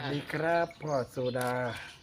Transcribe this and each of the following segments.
ดีครับพ่อโซดา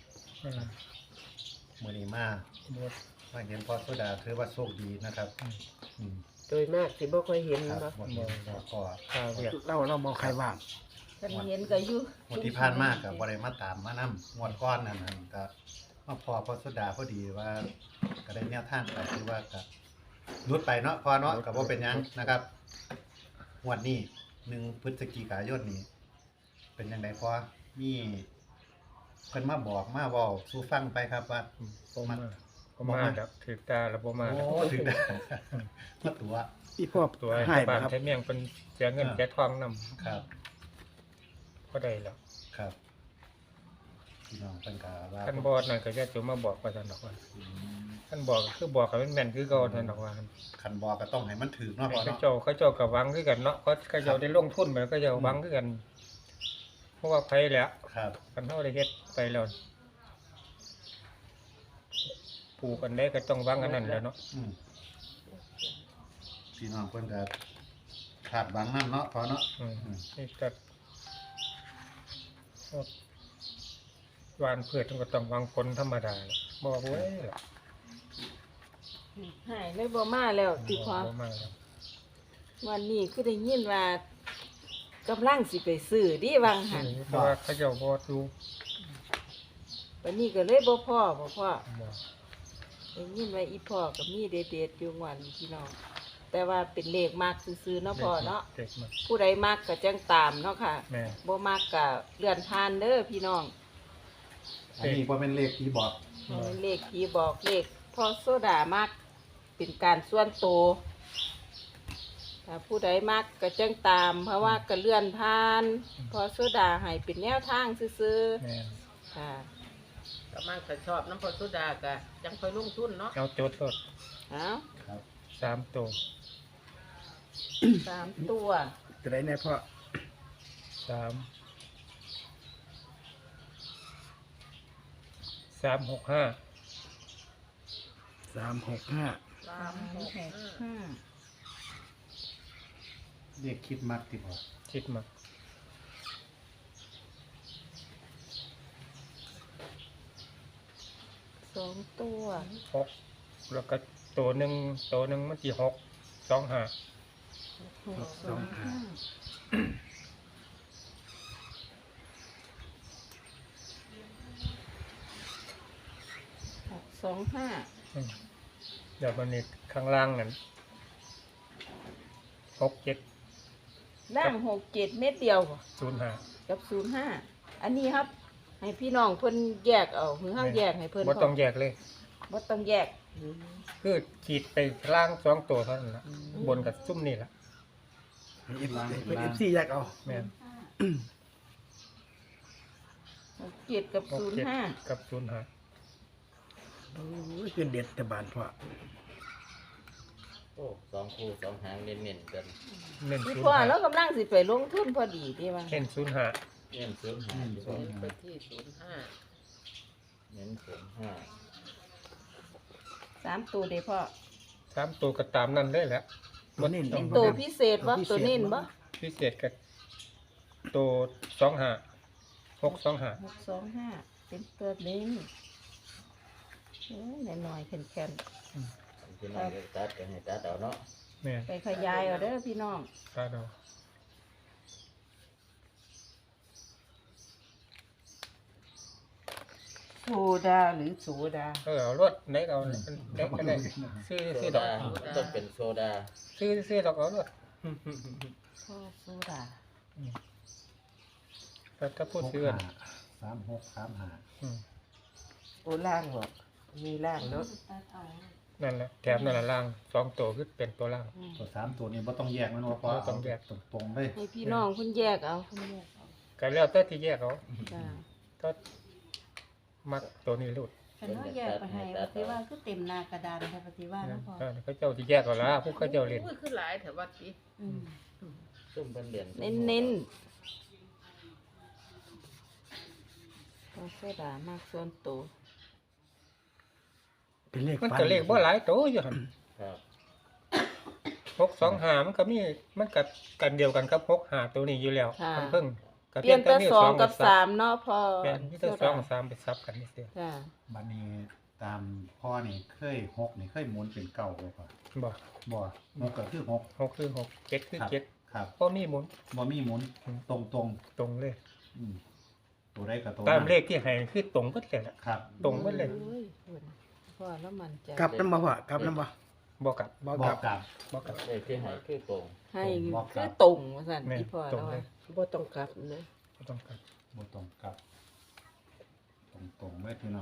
มื้อนี้มาเห็นพ่อโซดาถือว่าโชคดีนะครับอืมโดยมากสิบ่ค่อยเห็นครับบ่บ่เห็นแล้วก็ข้าวเรียกเรามองใครว่างคันเห็นก็อยู่งวดที่ผ่านมาก็บ่ได้มาตามมานำงวดก่อนนั่นก็มาพอพ่อโซดาพอดีว่าก็ได้แนวทางไปคือว่าก็หลุดไปเนาะพอเนาะก็บ่เป็นหยังนะครับงวดนี้1พฤศจิกายนนี้เป็นจังไดพอมีเพิ่นมาบอกมาเว้าสู่ฟังไปครับว่าบ่มาแล้วถือตาแล้วบ่มาโอ้แล้วถึงได้ มาตัวอีพ่อตัวให้บ้าบ่นครับใช้เมียงเป็นเสียเงินเสียทองนำครับก็ได้แล้วครับพี่น้องเพิ่นก็ว่าท่านบอกนั่นก็จะจะมาบอกว่าท่านดอกว่าท่านบอกก็คือบอกกับแม่นคือเก่าท่านดอกว่าคันบอกก็ต้องให้มันถึกเนาะพ่อเขาเนาะเจ้าก็หวังคือกันเนาะเขาเจ้าได้ลงทุนไปก็จะหวังคือกัน เพราะว่าไผแล้วครับคันเฮาได้เฮ็ดไปแล้วปลูกอันใดก็ต้องหวังอันนั้นแหล้วเนาะอืมพี่น้องเพิ่นก็ขาดหวังนำเนาะพ่อเนาะนี่ก็หวานพืชมันก็ต้องหวังผลธรรมดาแหละบ่ว่าเว้ยล่ะให้เลยบ่มาแล้วติพอบ่มาแล้ววันนี้คือได้ยินว่ากำลังสิไปซื้อดิวังหันเพราะว่าเขาเจ้าบ่ดูวันนี้ก็เลยบ่พ่อบ่พ่อบ่ได้ยินว่าอีพ่อก็มีเด็ดๆอยู่วันพี่น้องแต่ว่าเป็นเลขมากซื่อๆเนาะพ่อเนาะเด็กมาผู้ใดมักก็จังตามเนาะค่ะแม่บ่มักก็เลื่อนผ่านเด้อพี่น้องอันนี้บ่เป็นเลขที่บอกเลขที่บอกเลขพ่อโซดามักเป็นการส่วนตัวถ้าผู้ใดมักก็จังตาม เพราะว่าก็เลื่อนผ่านพ่อโซดาให้เป็นแนวทางซื่อแม่ๆค่ะก็มันก็ชอบน้ำพอสุดาก็จังค่อยลงทุนเนาะเอาโจทย์สดเอาครับ 3ตัว 3 ตัวจะได้แน่พ่อ 3 365 365 เลขคิดมักที่พ่อคิดมา 2 ตัว 6แล้วก็ตัวหนึงมันสิ6 25 625 อืมเดี๋ยวมันนี่ข้างล่างนั่น67 ล่าง67 เม็ดเดียวบ่ 05 กับ05อันนี้ครับ ให้พี่น้องเพิ่นแยกเอาหรือเฮาแยกให้เพิ่นบ่ต้องแยกเลยบ่ต้องแยกคือขีดไปล่าง2ตัวเท่านั้นล่ะบนกับซุ่มนี่ล่ะเป็น FC อยากเอาแม่น 67กับ05 กับ05 โอ้ยคือเด็ดแต่บานพ่อโอ้2 คู่ 2 หางเน้นๆกันเน้นพี่พ่อแล้วกำลังสิไปลงทุนพอดีที่ว่า 05เน้น05 เน้น05 อืมอยู่สองไปห้าที่05เน้น05 3ตัวเด้พ่อ 3ตัวก็ตามนั้นเลยแหละตัวนี้เป็นตัวพิเศษบ่ตัวเน้นบ่พิเศษกับตัว25 625 625เป็นตัวเน้นโอ้ยน้อยๆแข็งพี่น้องก็ตัดกันให้ตัดเอาเนาะแม่นๆไปขยายเอาเด้อพี่น้องตาดอกโซดาหรือโซดาเอารถไหนก็เอาได้ก็ได้ซื้อโซซื้อดอดาก ต้องเป็นโซดาซื้อดอกเอารถพ่อโซดาแต่ถ้าพูดซื้อ 3635 โอล่างบ่มีล่างแล้วนั่นแหละแถมนั่นละล่าง2ตัวคือเป็นตัวล่างตัว3ตัวนี้บ่ต้องแยกมันว่าพ่อบ่ต้องแยกตรงๆเลยให้พี่น้องเพิ่นแยกเอาเพิ่นแยกเอาก็แล้วแต่ที่แยกเอาจ้าก็มักตัวนี้ลูดฉันว่าแยกไปให้ปฏิว่าคือเต็มหน้ากระดานค่ะปฏิว่าแล้วพอเขาเจ้าที่แยกเอาละพวกเขาเจ้าเล่นอุ้ยคือหลายแถววัดสิอืมซุ่มเพิ่นเรียนเน้นๆพ่อโซดามากส่วนตัวเป็นเลขมันฟันก็เลขบ่หลายตัวอยู่หั่นครับ 625มันก็มีมันกับกันเดียวกันกับ65ตัวนี้อยู่แล้วมันเพิ่งก็เปลี่ยนแต่วสองกับซัสามเนาะพอเปลี่ยนที่แต่สองกับสามไปซับกันนี่เสียจ้ะบัดนี้ตามพ่อนี่เคยหกนี่เคยหมุนเป็นเก่าบ่พ่อบ่บ่หกก็คือหกหกคือหกเจ็ดคือครับเจ็ดครับเพราะมีหมุนบ่มีหมุนตรงตรงเลยๆตัวใดก็ตัวตามนั้นเลขที่ให้คือตรงหมดเลยล่ะครับตรงหมดเลยโอ้คุณพ่อแล้วมันใจกลับน้ำบ่พ่อกลับน้ำบ่บ่กลับบ่บกอลักบกลับบ่กลับเลขที่ให้คือตรงให้บอกครัคือบ ตรงว่าซั่นแม่นที่พ่อตรแล้งวเลว่ายบ่ต้องกลับนะบ่ต้องกลับบ่ตรงกลับ ตรงๆเลยพี่น้อง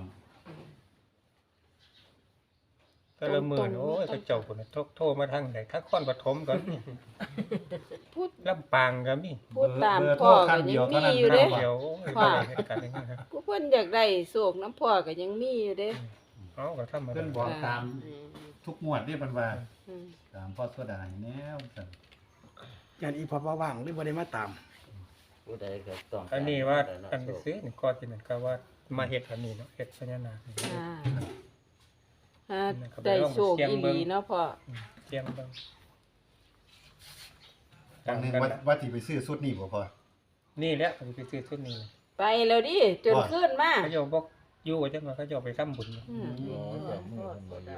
แต่ละมื้อนี่โอ้ยก็เจ้าพุ่นน่ะโทรมาทางไหนถ้าคอนปฐมก็มีพูดลำปางก็มีพูดตามเบอร์โทพ่รอขั้ก็นเดียัยวงเท่ามีนั้นอยู่นะเด้ครับเดี๋ยวโอ้ยว่าบ่ได้เหตุการณ์อย่างนี้ครับผู้เพิ่นอยากได้โศกน้ำพ่อก็ยังมีอยู่เด้เอาก็ธรรมเพิ่นดาบอกตามอืมทุกงวดนี่เพิ่นว่าอืมตามพ่อโซดาให้แนวซั่นงานอีพอว่างหรือบ่ได้มาตามผู้ใดก็ต้องอันนี้ว่าการอันไปซื้อนี่ก่อนที่นั่นก็ว่ามาเฮ็ดอันนี้เนาะเฮ็ดพญานาคนี่อ่าฮะได้โชคอีหลีเนาะพ่อเตรียมเบิ่งครั้งหนึงว่าที่ไปซื้อชุดนี้บ่พ่อนี่แหละผมไปซื้อชุดนี้ไปแล้วดิจนขึ้นมาเขาเจ้าบอกอยู่ว่าจังว่าเขาเจ้าไปทำบุญอืมโอ้ยเดี๋ยวมือเพิ่นบ่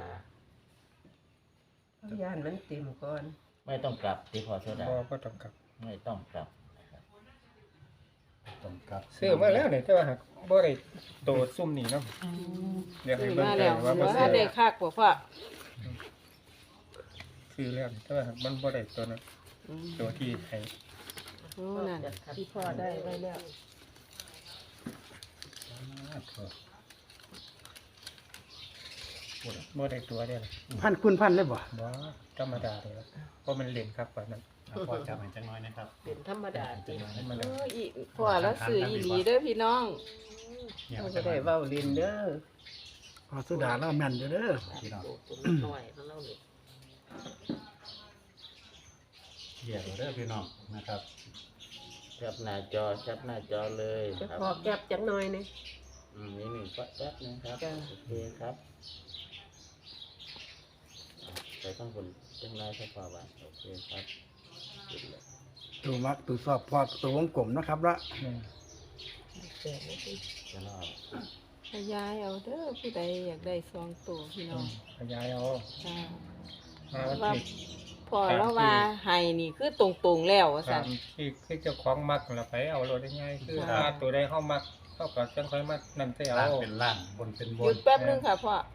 อยู่ย่านมันเต็มก่อนไม่ต้องกลับที่พอโซดาบ่ต้องกลับไม่ต้องกลับนะครับตรงกลับซื้อมาแล้วนี่แต่ว่าหากบ่ได้โตซุ่มนี่เนาะเดี๋ยวให้ซื้อเบิ่งมาเลแล้ยว ว่าบ่ว่าซื้อได้คักบ่พ่อซื้อแล้วนี่แต่ว่าหากมันบ่ได้ตัวนั้นอืมตัวที่ให้โอ้นั่นที่พ่อได้ไว้แล้วบ่ได้ตัวเด้อล่ะพันคุณพันเลยบ่บ่ธรรมดาเลยล่ะเพราะมันเล่นครับกว่านั้นพ่อจำให้จังน้อยนะครับเป็นธรรมดาจริงมันเอออีพ่อแล้วซื้ออีหลีเด้อพี่น้องเนี่ยเราจัก็งน้ได้อยเว้าเล่นเด้อพอสุดาแล้วแม่นอยู่เด้อพี่น้องตัวน้อยของเรานี่เหี้ยเด้อพี่น้องนะครับแคปหน้าจอแคปหน้าจอเลยจะครับขอแก็บจังหน่อยนี่นี่หนึ่งแป๊บนึงครับจ้ะโอเคครับไปต้องคนจังไรสักพอวันโอเคครับปิดเลยตัวมักตัวสอบพอตัววงกลมเนาะครับละอืมจะรอดขยายเอาเด้อผู้ใดอยากได้ซองตัวพี่น้องขยายเอาจ้ามาวันว่าที่พอแล้วว่าให้นี่คือตรงๆแล้วว่าตาซั่นมที่คือเจ้าของมักนั่นล่ะไปเอาโลดได้ง่ายคือค่ะถ้าตัวใดเฮามักเฮาก็จังค่อยมานั่นใส่เอาล่างเป็นล่างบนเป็นบหยุนดแป๊บนึงค่ะพ่อ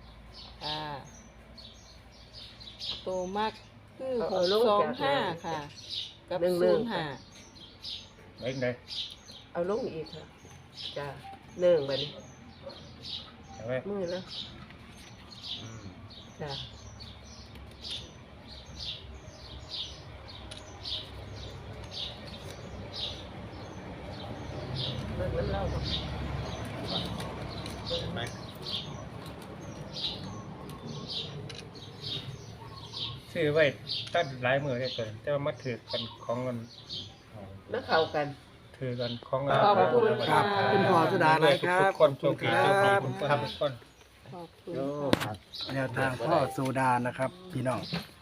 ตัวมากคือ625ค่ะ กับ05 ไว้ไหนเอาลงอีกค่ะจ้าเนื่องบัดนี้เอาไว้มือแล้วอืมจ้า มันเล่าบ่เห็นไหมซื้อไว้ตั้งหลายมื้อได้ตัวนั้นแต่ว่ามาถือกันของมันมาเข้ากันถือกันของขอบคุณครับค่ะคุณพ่อสุดาหลายครับทุกคนโชคดีคทุกรับคนทุกคนขอบคุณโอ้ค่ะครับแนวทางพ่อสุดานะครับ พี่น้อง